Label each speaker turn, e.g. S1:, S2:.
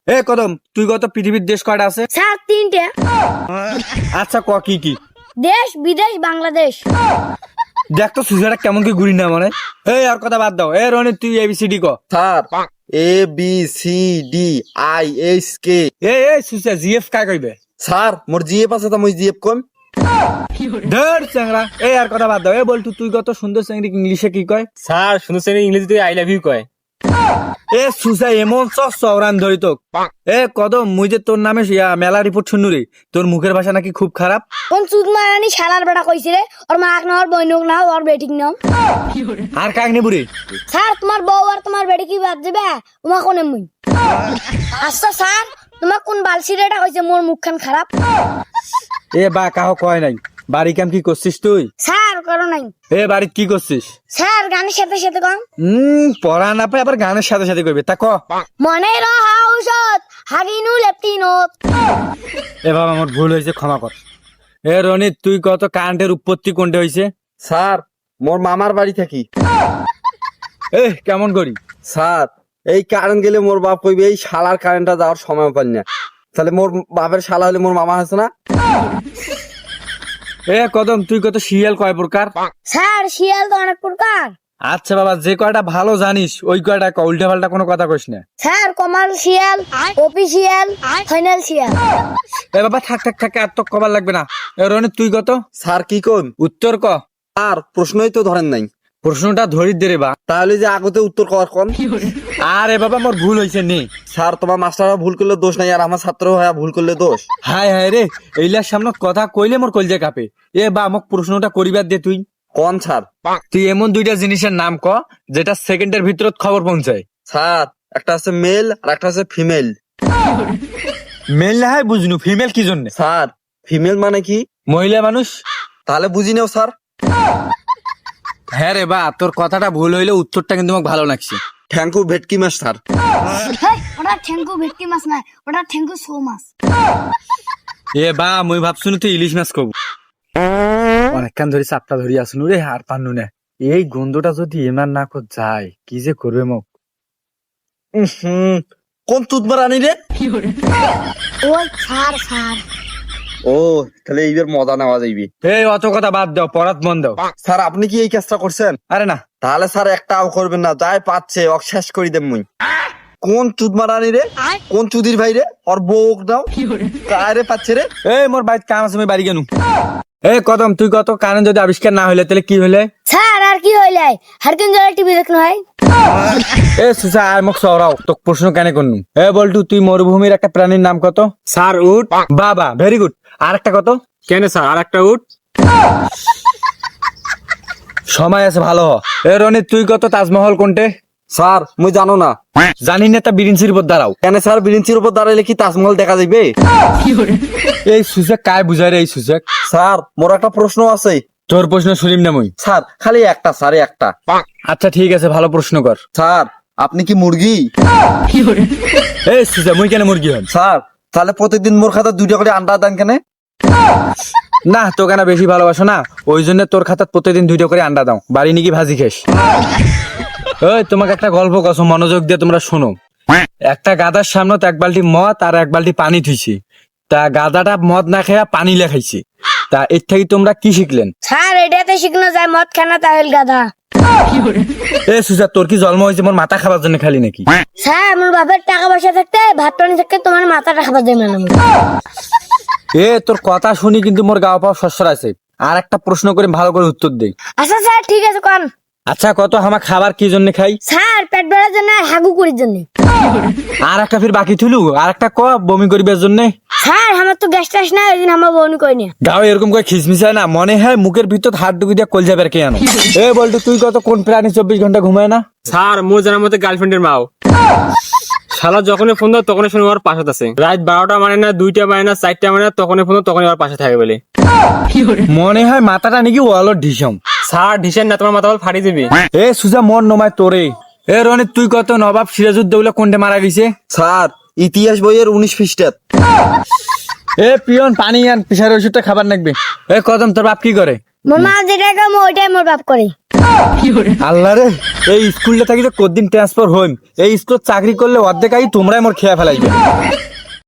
S1: এ কদম, তুই কত পৃথিবীর দেশ কয়টা আছে?
S2: স্যার 3টে।
S1: আচ্ছা ক কি কি?
S2: দেশ, বিদেশ, বাংলাদেশ।
S1: দেখ তো সুজাটা কেমন কি ঘুরি না মানে। এই আর কথা বাদ দাও। এ রনি তুই এবিসিডি ক।
S3: Sir ABCDIHK।
S1: এ সুজা জিএফ কাই কইবে?
S3: স্যার মোর জিএফ আছে তো মুই জিএফ কম।
S1: ধর চ্যাংড়া। এই আর কথা বাদ দাও। এ বল তুই কত সুন্দর চ্যাংড়ি ইংলিশে কি কয়?
S4: স্যার শুনছেন ইংরেজিতে আই লাভ ইউ কয়।
S1: এ সুজা এমন চওরান ধরি তোক। এ কদম, মুই যে তোর নামে মেলা রিপোর্ট শুনু রে, তোর মুখের ভাষা নাকি খুব খারাপ।
S2: কোন চুদ মারানি শালার বেটা কইছে রে? ওর মাক না, ওর বইনক না, ওর বেটিক নাম।
S1: আর কাক নে বুড়ি?
S2: স্যার তোমার বউ আর তোমার বেটি কি বাদ যাবে? তোমার কোনে মুই? আচ্ছা স্যার, তোমার কোন বালসিরেটা কইছে মোর মুখখান খারাপ?
S1: এ বা কাহ কয় নাই। বাড়ি কাম কি করছিস তুই?
S2: স্যার করো নাই।
S1: এ বাড়িত কি করছিস?
S2: স্যার গানের সাথে সাথে কম।
S1: পড়া না পাই আবার গানের সাথে সাথে করবে তা ক।
S2: মনে রহা ঔষধ হাগিনু লেপটিনোত।
S1: এ বাবা আমার ভুল হয়েছে, ক্ষমা কর। এ রনি তুই কত কারেন্টের উৎপত্তি কোনটা হয়েছে?
S3: স্যার মোর মামার বাড়ি থাকি।
S1: এ কেমন করি?
S3: স্যার এই কারেন্ট গেলে মোর বাপ কইবে এই শালার কারেন্টটা যাওয়ার সময় পাই না। তাহলে মোর বাপের শালা হলে মোর মামা আছে না?
S1: এ কদম তুই কত শিয়াল কয় প্রকার?
S2: স্যার শিয়াল তো অনেক প্রকার।
S1: আচ্ছা বাবা, যে কয়টা ভালো জানিস ওই কয়টা ক, উল্টা পাল্টা কোনো কথা কইস না।
S2: স্যার কমাল শিয়াল, অফিসিয়াল, ফাইনাল শিয়াল।
S1: এ বাবা থাক থাক থাক, আর তো কবার লাগবে না। এ রনি তুই কত?
S3: স্যার কি কোন?
S1: উত্তর ক।
S3: আর প্রশ্নই তো ধরেন নাই।
S1: প্রশ্নটা ধরি দে রে বা।
S3: তাহলে যে আগতে উত্তর কর কোন?
S1: আরে বাবা মোর ভুল হয়েছে নে।
S3: স্যার তোমার মাস্টাররা ভুল করলে দোষ নাই, আর আমার ছাত্র হয়ে ভুল করলে দোষ।
S1: হায় হায় রে, এইলার সামনে কথা কইলে মোর কলজে কাঁপে। এ বা মোক প্রশ্নটা করিবার দে তুই।
S3: কোন স্যার?
S1: তুই এমন দুইটা জিনিসের নাম ক যেটা সেকেন্ডের ভিতরত খবর পৌঁছায়।
S3: স্যার একটা আছে মেল আর একটা আছে ফিমেল।
S1: মেল না হয় বুঝনু, ফিমেল কি জন্য?
S3: স্যার ফিমেল মানে কি?
S1: মহিলা মানুষ।
S3: তাহলে বুঝি নাও স্যার।
S1: হ্যাঁ রে বা, তোর কথাটা ভুল হইলে উত্তরটা কিন্তু আমাকে ভালো লাগছে।
S3: থ্যাংক ইউ ভেটকি মাছ স্যার।
S2: হেই, ওটা ঠেঙ্গু ভেটকি মাছ নাই, ওটা ঠেঙ্গু শো মাছ।
S1: এ বা মুই ভাবছুন তুই ইলিশ মাছ কব। অনেকক্ষণ ধরে চাপটা ধরি আসনু রে, আর পান্নু না। এই গন্ধটা যদি এমার না কর যায়, কি যে করবে মোক।
S3: কোন তুতবার আনি রে?
S2: ওই স্যার স্যার।
S3: ও তাহলে এইবার মজা নেওয়া যাইবি।
S1: এই অত কথা বাদ দাও, পড়াত মন দাও।
S3: স্যার আপনি কি এই কাজটা করছেন?
S1: আরে না।
S3: তাহলে স্যার একটাও করবেন না, যাই পাচ্ছে ওক শেষ করি দেব মুই। কোন চুদমার আনি রে? কোন চুদির ভাই রে? ওর বউ দাও কারে পাচ্ছে রে?
S1: এই মোর বাইত কাম আছে, আমি বাড়ি গেনু। এই কদম তুই কত, কারেন্ট যদি আবিষ্কার না হইলে তাহলে কি হইলে?
S2: স্যার আর কি হইলাই? হারকিন জলে টিভি দেখনো হয়।
S1: এ সুসা আর মোক সরাও, তোক প্রশ্ন কেন করনু। এ বলটু তুই মরুভূমির একটা প্রাণীর নাম কত?
S4: স্যার উট।
S1: বাবা ভেরি গুড। আর একটা কত?
S4: কেন স্যার আর একটা উট?
S1: সময় আছে ভালো হ। এ রনি তুই কত, তাজমহল কোনটে?
S3: স্যার মুই জানো না।
S1: জানি না তা বিরিঞ্চির উপর দাঁড়াও।
S3: কেন স্যার বিরিঞ্চির উপর দাঁড়াইলে কি তাজমহল দেখা যাইবে?
S1: এই সুসেক কায় বুঝাই রে এই সুসেক?
S3: স্যার মোর একটা প্রশ্ন আছে।
S1: তোর প্রশ্ন শুনিম না মুই।
S3: স্যার খালি একটা, স্যার একটা।
S1: আচ্ছা ঠিক আছে, ভালো প্রশ্ন কর।
S3: স্যার আপনি কি মুরগি?
S1: এই সুসা মুই কেন মুরগি হন?
S3: স্যার তাহলে প্রতিদিন মোর খাতা 2টা করে আন্ডা দেন কেন?
S1: না তোকে না বেশি ভালোবাসো না, ওই জন্য তোর খাতাত প্রতিদিন 2টা করে আন্ডা দাও। বাড়ি নাকি ভাজি খেস? ওই তোমাকে একটা গল্প কসম, মনোযোগ দিয়ে তোমরা শোনো। একটা গাদার সামনে এক বালতি মদ আর এক বালতি পানি থুইছি। তা গাদাটা মদ না খেয়া পানি লেখাইছে। তা এর থেকে তোমরা কি শিখলেন?
S2: স্যার এটাতে শিখনো যায় মদ খানা তাহলে গাধা।
S1: এ সুজা তোর কি জন্ম হয়েছে মোর মাথা খাবার জন্য খালি নাকি?
S2: স্যার আমার বাপের টাকা পয়সা থাকতে, ভাত পানি থাকতে তোমার মাথাটা খাবার দেবে না।
S1: এ তোর কথা শুনি কিন্তু মোর গাও পাওয়া সস্যর আছে। আর একটা প্রশ্ন করে ভালো করে উত্তর দে।
S2: আচ্ছা স্যার ঠিক আছে কোন।
S1: আচ্ছা কত, আমার খাবার কি জন্য খাই?
S2: স্যার পেট ভরার জন্য আর হাগু করির জন্য।
S1: আর একটা ফির বাকি থুলু, আর একটা ক বমি করিবার জন্য।
S2: স্যার আমার তো গ্যাস টাস না, ওই দিন আমার বউনি করিনি।
S1: গাও এরকম করে খিসমিসায় না, মনে হয় মুখের ভিতর হাত ঢুকি দিয়ে কলজা বের কে আনো। এ বলতো তুই কত, কোন প্রাণী 24 ঘন্টা ঘুমায় না?
S4: স্যার মোর জানার মধ্যে গার্লফ্রেন্ডের মাও। শালা যখনই ফোন দাও তখনই শুনে ওর পাশে আছে। রাত 12টা মানে না, 2টা মানে না, 4টা মানে না, তখনই ফোন দাও তখনই ওর পাশে থাকে বলে।
S1: মনে হয় মাথাটা নাকি ওয়ালর ঢিসম।
S4: স্যার ঢিসেন না, তোমার মাথা বল ফাটি দিবি।
S1: এ সুজা মন নমায় তোরে। এ রনি তুই কত, নবাব সিরাজউদ্দৌলা কোনটা মারা গেছে?
S3: স্যার ইতিহাস বইয়ের 19 পৃষ্ঠা।
S1: এ পিয়ন পানি আন, প্রেসার ওষুধটা খাবার লাগবে। এ কদম তোর বাপ কি করে?
S2: মোর মা যেটা কাম ওইটাই মোর বাপ করে।
S1: আল্লাহ রে, এই স্কুলটা থাকি যে কদিন ট্রান্সফার হইম, এই স্কুল চাকরি করলে অর্ধেক আই তোমরাই মোর খেয়া ফেলাইবে।